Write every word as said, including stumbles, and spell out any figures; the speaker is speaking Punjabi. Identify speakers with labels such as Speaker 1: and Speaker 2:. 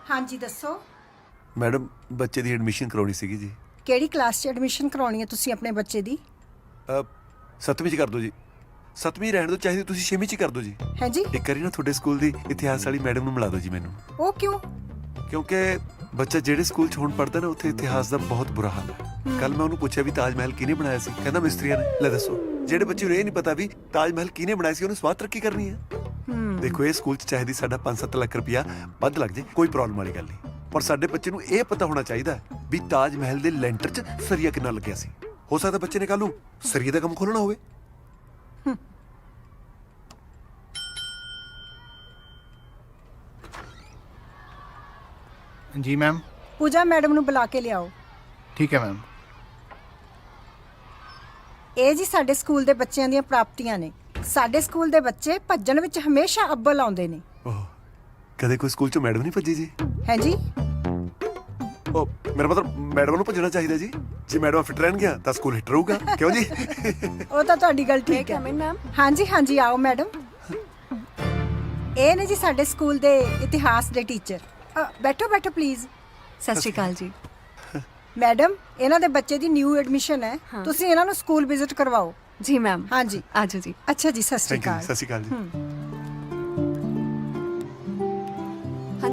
Speaker 1: हाँ जी दसो।
Speaker 2: मैडम बच्चे दी एडमिशन करवानी सीगी जी।
Speaker 1: ਕਿਹੜੀ ਕਲਾਸ 'ਚ ਐਡਮਿਸ਼ਨ ਕਰਾਉਣੀ ਹੈ ਤੁਸੀਂ ਆਪਣੇ ਬੱਚੇ ਦੀ?
Speaker 2: ਅ, ਸੱਤਵੀਂ ਚ ਕਰ ਦਿਓ ਜੀ। ਸੱਤਵੀਂ ਰਹਿਣ ਦਿਓ, ਚਾਹੀਦੀ ਤੁਸੀਂ ਛੇਵੀਂ ਚ ਕਰ ਦਿਓ ਜੀ।
Speaker 1: ਹੈ ਜੀ?
Speaker 2: ਇੱਕ ਵਾਰੀ ਨਾ ਤੁਹਾਡੇ ਸਕੂਲ ਦੀ ਇਤਿਹਾਸ ਵਾਲੀ ਮੈਡਮ ਨੂੰ ਮਿਲਾ ਦਿਓ ਜੀ ਮੈਨੂੰ।
Speaker 1: ਉਹ ਕਿਉਂ?
Speaker 2: ਕਿਉਂਕਿ ਬੱਚਾ ਜਿਹੜੇ ਸਕੂਲ 'ਚ ਹੁਣ ਪੜ੍ਹਦਾ ਨਾ ਉੱਥੇ ਇਤਿਹਾਸ ਦਾ ਬਹੁਤ ਬੁਰਾ ਹਾਲ ਹੈ। ਕੱਲ ਮੈਂ ਉਹਨੂੰ ਪੁੱਛਿਆ ਵੀ ਤਾਜ ਮਹਿਲ ਕਿਹਨੇ ਬਣਾਇਆ ਸੀ, ਕਹਿੰਦਾ ਮਿਸਤਰੀਆਂ ਨੇ। ਲੈ ਦੱਸੋ, ਜਿਹੜੇ ਬੱਚੇ ਨੂੰ ਇਹ ਨਹੀਂ ਪਤਾ ਵੀ ਤਾਜ ਮਹਿਲ ਕਿਹਨੇ ਬਣਾਇਆ ਸੀ ਉਹਨੇ ਸਵਾਦ ਤਰੱਕੀ ਕਰਨੀ ਹੈ। ਦੇਖੋ ਇਹ ਸਕੂਲ 'ਚ ਚਾਹੀਦੀ ਸਾਡਾ ਪੰਜ ਸੱਤ ਲੱਖ ਰੁਪਇਆ ਵੱਧ ਲੱਗ ਜੇ, ਕੋਈ ਪ੍ਰੋਬਲਮ ਵਾਲੀ ਗੱਲ ਨਹੀਂ, ਪਰ ਸਾਡੇ ਬੱਚੇ ਨੂੰ ਇਹ ਪਤਾ ਹੋਣਾ ਚਾਹੀਦਾ ਵੀ ਤਾਜ ਮਹਿਲ ਦੇ ਲੈਂਟਰ 'ਚ ਸਰੀਆ ਕਿੰਨਾ ਲੱਗਿਆ ਸੀ। ਹੋ ਸਕਦਾ ਬੱਚੇ ਨੇ ਕੱਲ ਨੂੰ ਸਰੀਏ ਦਾ ਕੰਮ ਖੋਲ੍ਹਣਾ ਹੋਵੇ।
Speaker 3: जी मैम।
Speaker 1: ਪੂਜਾ ਮੈਡਮ ਨੂੰ ਬੁਲਾ ਕੇ ਲਿਆਓ।
Speaker 3: ठीक है मैम।
Speaker 1: ਇਹ ਜੀ ਸਾਡੇ ਸਕੂਲ ਦੇ ਬੱਚਿਆਂ ਦੀਆਂ ਪ੍ਰਾਪਤੀਆਂ ਨੇ। ਸਾਡੇ ਸਕੂਲ ਦੇ ਬੱਚੇ ਭੱਜਣ ਵਿੱਚ ਹਮੇਸ਼ਾ ਅੱਵਲ ਆਉਂਦੇ ਨੇ।
Speaker 2: ਓਹ, ਕਦੇ ਕੋਈ ਸਕੂਲ 'ਚੋਂ ਮੈਡਮ ਨਹੀਂ ਭੱਜੀ ਜੀ?
Speaker 1: ਹੈ ਜੀ?
Speaker 2: ਉਹ ਮੇਰਾ ਮਤਲਬ ਮੈਡਮ ਨੂੰ ਭੱਜਣਾ ਚਾਹੀਦਾ ਜੀ। ਜੇ ਮੈਡਮ ਫਿੱਟ ਰਹਿਣਗੀਆਂ ਤਾਂ ਸਕੂਲ ਹਿੱਟ ਰਹੂਗਾ, ਕਿਉਂ ਜੀ?
Speaker 1: ਉਹ ਤਾਂ ਤੁਹਾਡੀ ਗੱਲ ਠੀਕ ਹੈ। ਹਾਂਜੀ ਹਾਂਜੀ ਆਓ ਮੈਡਮ। ਇਹ ਨੇ ਜੀ ਸਾਡੇ ਸਕੂਲ ਦੇ ਇਤਿਹਾਸ ਦੇ ਟੀਚਰ। ਅ, ਬੈਠੋ ਬੈਠੋ ਪਲੀਜ਼।
Speaker 4: ਸਤਿ ਸ਼੍ਰੀ ਅਕਾਲ ਜੀ।
Speaker 1: ਮੈਡਮ ਇਹਨਾਂ ਦੇ ਬੱਚੇ ਦੀ ਨਿਊ ਐਡਮਿਸ਼ਨ ਹੈ, ਤੁਸੀਂ ਇਹਨਾਂ ਨੂੰ ਸਕੂਲ ਵਿਜ਼ਿਟ ਕਰਵਾਓ।
Speaker 4: ਜੀ ਮੈਮ।
Speaker 1: ਹਾਂਜੀ
Speaker 4: ਆਜੋ ਜੀ।
Speaker 1: ਅੱਛਾ ਜੀ, ਸਤਿ ਸ਼੍ਰੀ
Speaker 2: ਥੈਂਕ ਯੂ,
Speaker 1: ਅਕਾਲ।
Speaker 2: ਸਤਿ ਸ਼੍ਰੀ ਅਕਾਲ ਜੀ।